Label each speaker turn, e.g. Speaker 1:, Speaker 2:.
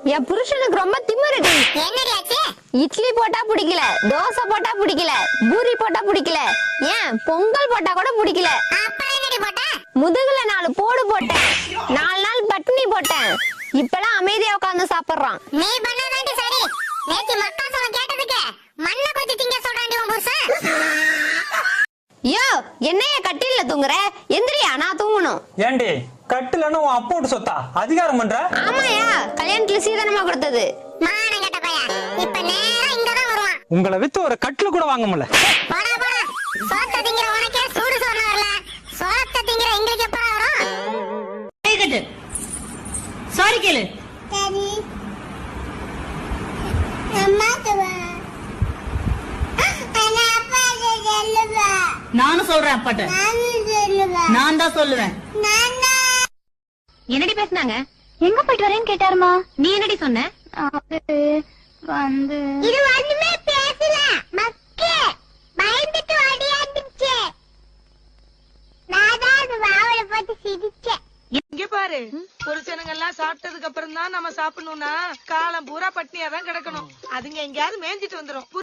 Speaker 1: என் புருஷனுக்கு ரொம்ப திமிருடி. இட்லி போட்டா பிடிக்கல, தோசை போட்டா பிடிக்கல, பூரி போட்டா பிடிக்கல, ஏன் பொங்கல் போட்டா கூட பிடிக்கல. முதுகுல 4 போடு போட்டேன், 4 நாள் பட்டினி போட்டேன். இப்பெல்லாம் அமைதியா உட்கார்ந்து சாப்பிடுறான்.
Speaker 2: நீ பண்ணதாண்டி சரி. நேத்து மக்கா சொல்ல கேட்டதுக்கு மண்ண கொஞ்சி திங்க சொல்றாண்டி உன் புருஷன்.
Speaker 1: யோ, என்னைய கட்டில்ல தூங்குற? எந்திரியா, நான் தூங்கணும்.
Speaker 3: ஏண்டி கட்டிலன்னு உன் அப்போட்டு சொத்தா அதிகாரம் பண்ற?
Speaker 1: ஆமாயா, கல்யாணத்துல சீதனமா கொடுத்தது.
Speaker 2: மானம் கெட்ட பையா, இப்ப நேரா இங்கதான் வருவான்.
Speaker 3: உங்களை வித்து ஒரு கட்டில கூட வாங்க முடியல.
Speaker 2: போடா போடா, சோத்த திங்கிற உனக்கே சூடு சொன்ன வரல, சோத்த திங்கிற எங்களுக்கு எப்ப வரும்?
Speaker 4: சாரி கேளு.
Speaker 2: சரி அம்மா துவா அண்ணா அப்பா சொல்லுவா.
Speaker 4: நானும் சொல்றேன் அப்பாட்ட. நான் தான் சொல்லுவேன்.
Speaker 1: என்னடி பேசுனாங்க?
Speaker 2: எங்க போயிட்டு வரேன்னு கேட்டாருமா.
Speaker 1: நீ என்னடி சொன்ன?
Speaker 2: வந்து இது ஒண்ணுமே பேசல, மக்கே பயந்துட்டு ஓடியாந்துச்சு. நான் தான் அது வாவல போட்டு சிரிச்சேன்.
Speaker 5: இங்க பாரு, புருஷனுங்க எல்லாம் சாப்பிட்டதுக்கு அப்புறம் தான் நம்ம சாப்பிடணும்னா காலம் பூரா பட்னியா தான் கிடக்கணும். அதுங்க எங்கயாவது மேய்ஞ்சிட்டு வந்துரும்.